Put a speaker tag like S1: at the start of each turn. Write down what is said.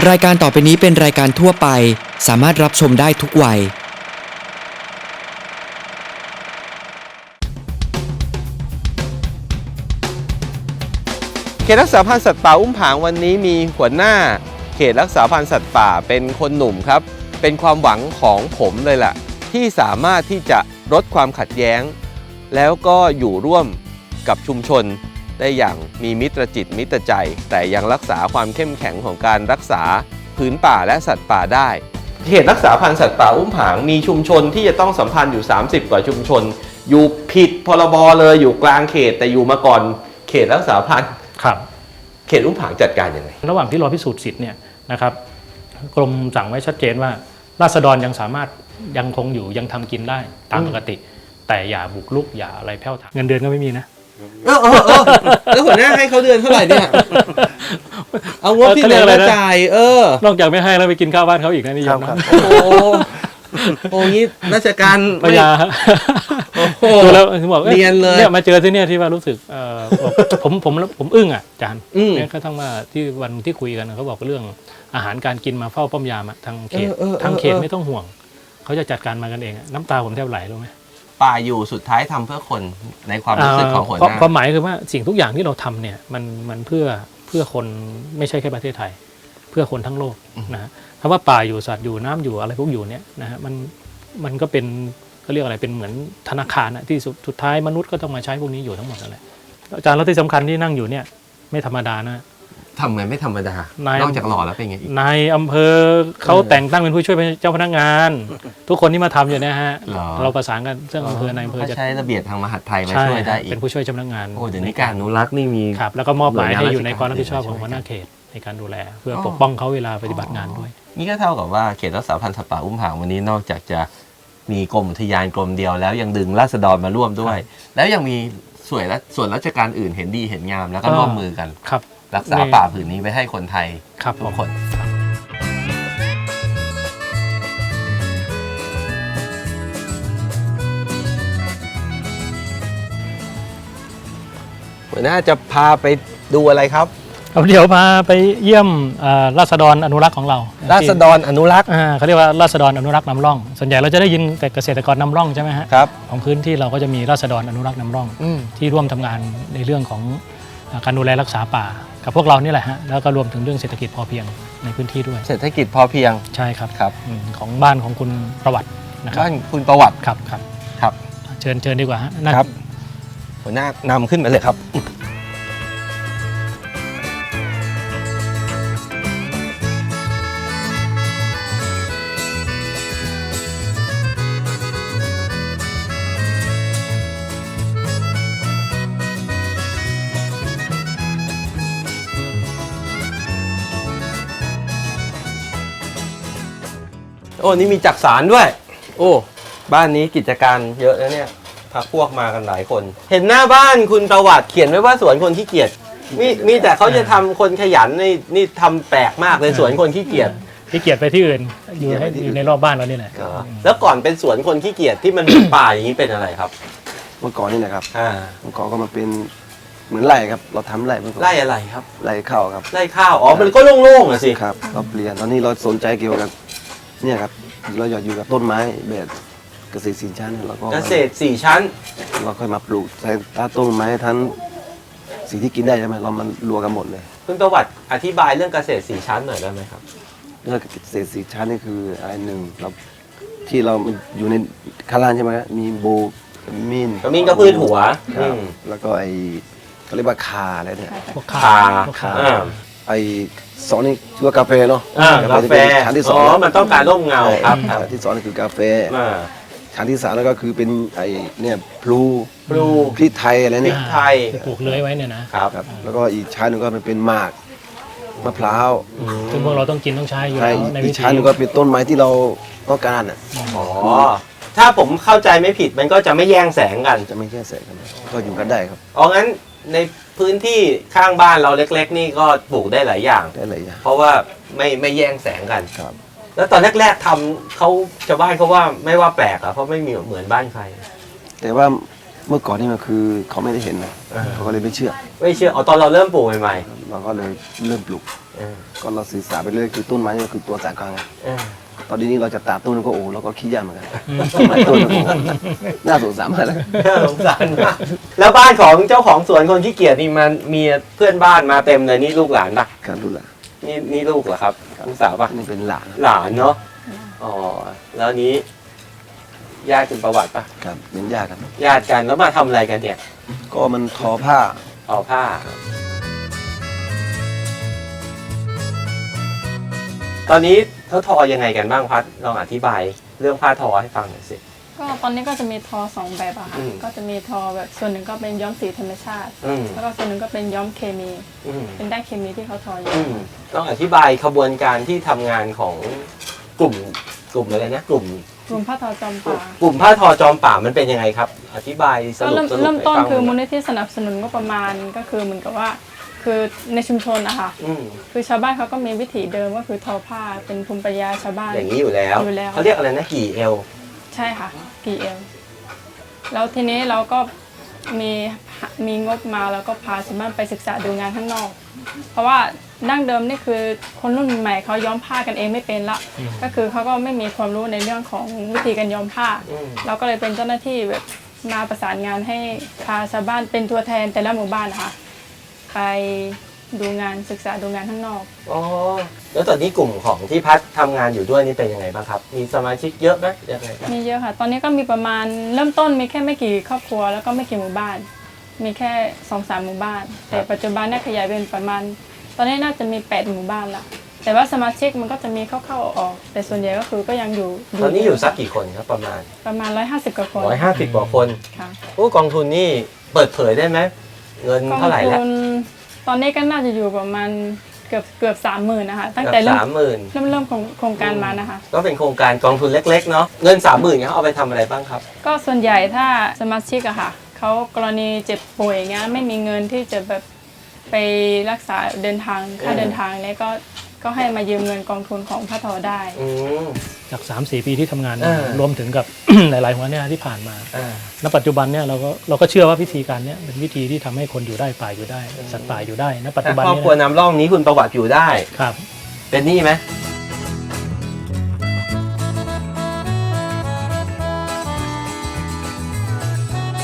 S1: รายการต่อไปนี้เป็นรายการทั่วไปสามารถรับชมได้ทุกวัย
S2: เขตรักษาพันธุ์สัตว์ป่าอุ้มผางวันนี้มีหัวหน้าเขตรักษาพันธุ์สัตว์ป่าเป็นคนหนุ่มครับเป็นความหวังของผมเลยล่ะที่สามารถที่จะลดความขัดแย้งแล้วก็อยู่ร่วมกับชุมชนได้อย่างมีมิตรจิตมิตรใจแต่ยังรักษาความเข้มแข็งของการรักษาผืนป่าและสัตว์ป่าได้เขตรักษาพันธุ์สัตว์ป่าอุ้มผางมีชุมชนที่จะต้องสัมพันธ์อยู่30กว่าชุมชนอยู่ผิดพรบเลยอยู่กลางเขตแต่อยู่มาก่อนเขตรักษาพันธุ์
S3: ครับ
S2: เขตอุ้มผางจัดการยังไง
S3: ระหว่างที่รอพิสูจน์สิทธิ์เนี่ยนะครับกรมสั่งไว้ชัดเจนว่าราษฎรยังสามารถยังคงอยู่ยังทำกินได้ตามปกติแต่อย่าบุกรุกอย่าอะไรแผ่วถางเงินเดือนก็ไม่มีนะ
S2: แล้วหัวหน้าให้เขาเดือนเท่าไหร่เนี่ยเอางบที่เหลือมาจ่าย
S3: นอกจากไม่ให้แล้วไปกินข้าวบ้านเขาอีกนะนี่ยอมนะ
S2: โอ้งี้ราชการ
S3: ปัญญาดูแล้วถึงบอก
S2: เรียนเลย
S3: เนี่ยมาเจอที่เนี่ยที่ว่ารู้สึกผมอึ้งอ่ะอาจารย์เนี่ยก็ทั้งว่าที่วันที่คุยกันเขาบอกเรื่องอาหารการกินมาเฝ้าป้อมยามทางเขตไม่ต้องห่วงเขาจะจัดการมากันเองน้ำตาผมแทบไหลรู้ไหม
S2: ป่าอยู่สุดท้ายทำเพื่อคนในความรู้สึกของหัวหน้า
S3: ความหมายคือว่าสิ่งทุกอย่างที่เราทำเนี่ยมันเพื่อคนไม่ใช่แค่ประเทศไทยเพื่อคนทั้งโลกนะฮะคำว่าป่าอยู่สัตว์อยู่น้ำอยู่อะไรพวกอยู่เนี่ยนะฮะมันก็เป็นก็เรียกอะไรเป็นเหมือนธนาคารนะที่สุดท้ายมนุษย์ก็ต้องมาใช้พวกนี้อยู่ทั้งหมดนั่นแหละอาจารย์แล้วที่สำคัญที่นั่งอยู่เนี่ยไม่ธรรมดานะ
S2: ทำไงไม่ธรรมดานอกจากหล่อแล้วเป็นไงอีก
S3: นายอำเภอเขาแต่งตั้งเป็นผู้ช่วยเจ้าพนักงานทุกคนที่มาทำอยู่นะฮะเราประสานกันเรื่องอำเภอนายอำเภอ
S2: จะใช้ระเบียบทางมหาดไทยมาช่วยได้อีก
S3: เป็นผู้ช่วยเจ้าพนักงาน
S2: โอ้เดี๋ยวนี้การอนุรักษ์นี่มี
S3: ครับแล้วก็มอบหมายให้อยู่ในความรับผิดชอบของหัวหน้าเขตในการดูแลเพื่อปกป้องเขาเวลาปฏิบัติงานด้วย
S2: นี่ก็เท่ากับว่าเขตรักษาพันธุ์สัตว์ป่าอุ้มผางวันนี้นอกจากจะมีกรมอุทยานกรมเดียวแล้วยังดึงราษฎรมาร่วมด้วยแล้วยังมีส่วนราชการอื่นเห็นดีเห็นงามแล้วก็ร่วมมือกันรักษาป่าผืนนี้ไว้ให้คนไทยทุกคนหัวหน้าจะพาไปดูอะไรครับ
S3: เดี๋ยวพาไปเยี่ยมราษฎรอนุรักษ์ของเรา
S2: ราษฎรอนุรักษ์
S3: เขาเรียกว่าราษฎรอนุรักษ์นำร่องส่วนใหญ่เราจะได้ยินแต่เกษตรกรนำร่องใช่ไหมฮะ
S2: ครับ
S3: ของพื้นที่เราก็จะมีราษฎรอนุรักษ์นำร่องที่ร่วมทำงานในเรื่องของการดูแลรักษาป่ากับพวกเรานี่แหละฮะแล้วก็รวมถึงเรื่องเศรษฐกิจพอเพียงในพื้นที่ด้วย
S2: เศรษฐกิจพอเพียง
S3: ใช่ครับของบ้านของคุณประวัตินะครับ
S2: บ้านคุณประวัติ
S3: ครับเชิญดีกว่าฮะ
S2: ครับหัวหน้านำขึ้นมาเลยครับโอ้นี่มีจักสารด้วยโอ้บ้านนี้กิจการเยอะแล้วเนี่ยพาพวกมากันหลายคนเห็นหน้าบ้านคุณประวัติเขียนไว้ว่าสวนคนขี้เกียจมีแต่เขาจะทำคนขยันนี่ทำแปลกมากเลยสวนคนขี้เกียจ
S3: ไปที่อื่นอยู่ในรอบบ้านเรานี่แหละ
S2: แล้วก่อนเป็นสวนคนขี้เกียจที่มันเป็นป่าอย่างนี้เป็นอะไรครับ
S4: เมื่อก่อนนี่นะครับเมื่อก่อนก็มาเป็นเหมือนไร่ครับเราทำไร่เมื่อก่อน
S2: ไร่อะไรครับ
S4: ไร่ข้าวครับ
S2: ไร่ข้าวอ๋อมันก็โล่งๆอ่ะสิ
S4: ครับเราเปลี่ยนตอนนี้เราสนใจเกี่ยวกับเนี่ยครับเราอยากอยู่กับต้นไม้แบบเกษตร4 ชั้นแล้วก็
S2: เกษตร4 ชั้น
S4: เราค่อยมาปลูกใช้ต้นไม้ทั้งสิ่งที่กินได้ใช่ไหมเรามันรวมกันหมดเลย
S2: คุณประวัติอธิบายเรื่องเกษตร4 ชั้นหน่อยได้ไหมครับ
S4: เรื่องเกษตร4 ชั้นนี่คืออะไรหนึ่งเราที่เราอยู่ในข้างล่างใช่ไหมครับมีโบมิน
S2: ก็พืชหัว
S4: แล้วก็เขาเรียกว่าคาอะไรเนี่ย
S2: คา
S4: 2นี่คือกาแฟเนาะ
S2: กาแฟชั้นที่2มันต้องการร่มเงาครับ
S4: ที่2นี่คือกาแฟชั้นที่3แล้วก็คือเป็นเนี่ยพลูพริกไทยอะไรเนี่ย
S2: พริกไทย
S3: ปลูกเลื้อยไว้เนี่ยนะครับ
S4: แล้วก็อีกชั้นนึงก็เป็นหมากมะพร้าว
S3: ซึ่งพวกเราต้องกินต้องใช้อยู่
S4: ในวิธีชั้นนึงก็เป็นต้นไม้ที่เราต้องการ
S2: ถ้าผมเข้าใจไม่ผิดมันก็จะไม่แย่งแสงกัน
S4: จะไม่แย่งแสงกันก็อยู่กันได้ครับ
S2: งั้นในพื้นที่ข้างบ้านเราเล็กๆนี่ก็ปลูกได้หลายอย่างเพราะว่าไม่แย่งแสงกัน
S4: ครับ
S2: แล้วตอนแรกๆทำเขาชาวบ้านเขาว่าไม่ว่าแปลกอ่ะเพราะไม่มีเหมือนบ้านใคร
S4: แต่ว่าเมื่อก่อนนี่มันคือเขาไม่ได้เห็นนะเขาก็เลยไม่เชื่อ
S2: ไม่เชื่อตอนเราเริ่มปลูกใหม่
S4: เราก็เลยเริ่มปลูก
S2: ๆเออ
S4: ก็เราศึกษาไปเรื่อยคือต้นไม้นี่คือตัวสายกลางไง
S2: เออ
S4: ตอนนี้เราจะตัดต้นก็โอ้เราก็คิดยากเหมือนกันไม้ต้นก็โอ้น่าสงสารมากเลย
S2: น่าสงสารมากแล้วบ้านของเจ้าของสวนคนขี้เกียจนี่มันมีเพื่อนบ้านมาเต็มเลยนี่ลูกหลานปะ
S4: การดูแล
S2: นี่ลูกเหรอครับลูกสาวปะ
S4: นี่เป็นหลาน
S2: หลานเนาะอ๋อแล้วนี้ญาติคุณประวัติปะ
S4: ครับเป็นญาติกัน
S2: ญาติกันแล้วมาทำอะไรกันเนี่ย
S4: ก็มันทอผ้า
S2: เอาผ้า ตอนนี้เขาทอยังไงกันบ้างพัดลองอธิบายเรื่องผ้าทอให้ฟังหน่อยสิ
S5: ก็ตอนนี้ก็จะมีทอสองแบบอะค่ะ
S2: อืม
S5: ก็จะมีทอแบบส่วนหนึ่งก็เป็นย้อมสีธรรมชาติ
S2: อืม
S5: แล้วก็ส่วนหนึ่งก็เป็นย้อมเคมี
S2: อืม
S5: เป็นได้เคมีที่เขาทออยู่
S2: อืมต้องอธิบายขบวนการที่ทำงานของกลุ่มอะไรนะกลุ่ม
S5: กลุ่มผ้าทอจอมป่า
S2: กลุ่มผ้าทอจอมป่ามันเป็นยังไงครับ อธิบายส
S5: ก็
S2: รุป
S5: เริ่มต้น
S2: ให้ฟัง
S5: คือ
S2: ห
S5: มูล
S2: ย
S5: นิธิสนับสนุนงบประมาณก็คือเหมือนกับว่า คือในชุมชนอะค่ะ
S2: อืม
S5: คือชาวบ้านเขาก็มีวิถีเดิมก็คือทอผ้าเป็นภูมิปัญญาชาวบ้าน
S2: อย่างนี้อยู่แล้ว
S5: อยู่แล้ว
S2: เขาเรียกอะไรนะกี่เอล
S5: ใช่ค่ะกี่เอลแล้วทีนี้เราก็มีงบมาแล้วก็พาชาวบ้านไปศึกษาดูงานข้างนอก เพราะว่าดั้งเดิมนี่คือคนรุ่นใหม่เขาย้อมผ้ากันเองไม่เป็นละก็คือเขาก็ไม่มีความรู้ในเรื่องของวิธีการย้อมผ้า เราก็เลยเป็นเจ้าหน้าที่แบบมาประสานงานให้พาชาวบ้านเป็นตัวแทนแต่ละหมู่บ้านนะคะไปดูงานศึกษาดูงานข้างนอก
S2: อ๋อแล้วตอนนี้กลุ่มของที่พัดทำงานอยู่ด้วยนี่เป็นยังไงบ้างครับ มีสมาชิกเยอะไหมยังไงครับ
S5: มีเยอะค่ะ ตอนนี้ก็มีประมาณเริ่มต้นมีแค่ไม่กี่ครอบครัวแล้วก็ไม่กี่หมู่บ้าน มีแค่ 2-3 หมู่บ้าน แต่ปัจจุบันเนี่ยขยายเป็นประมาณ ตอนนี้น่าจะมี 8 หมู่บ้านละแต่ว่าสมาชิกมันก็จะมีเข้าๆออกๆแต่ส่วนใหญ่ก็คือก็ยังอยู่
S2: ตอนนี้อยู่สักกี่คนครับประมาณ
S5: 150 กว่าคน
S2: 150 กว่าคน
S5: ค่ะ
S2: โอ้กองทุนนี่เปิดเผยได้ไหมเงิน
S5: กอง
S2: เท่าไหร่แล้ว
S5: ทุนตอนนี้ก็น่าจะอยู่ประมาณเกือบ 30,000นะคะตั้ง
S2: เกื
S5: แต่
S2: อบ
S5: เริ่ม
S2: 30,000
S5: เริ่มโครงการมานะคะ
S2: ก็เป็นโครงการกองทุนเล็กๆเนาะเงิน 30,000เขาเอาไปทำอะไรบ้างครับ
S5: ก็ส่วนใหญ่ถ้าสมาชิกอะค่ะเขากรณีเจ็บป่วยอย่างเงี้ยไม่มีเงินที่จะแบบไปรักษาเดินทางค่าเดินทางเนี่ยก็ให้มายืมเงินกองทุนของผ้าทอได้
S2: อืม
S3: จาก 3-4 ปีที่ทำงานมา
S2: เออ
S3: รวมถึงกับ หลายๆหัวหน้าที่ผ่านมา
S2: อ่า
S3: ณปัจจุบันเนี่ยเราก็เชื่อว่าวิธีการเนี้ยเป็นวิธีที่ทำให้คนอยู่ได้ป่าอยู่ได้สัตว์ป่าอยู่ได้ณปัจจุบัน
S2: ครอบ
S3: นี้
S2: ครัวน้ำร่องนี้คุณประวัติอยู่ได้
S3: ครับ
S2: เป็นหนี้ไหม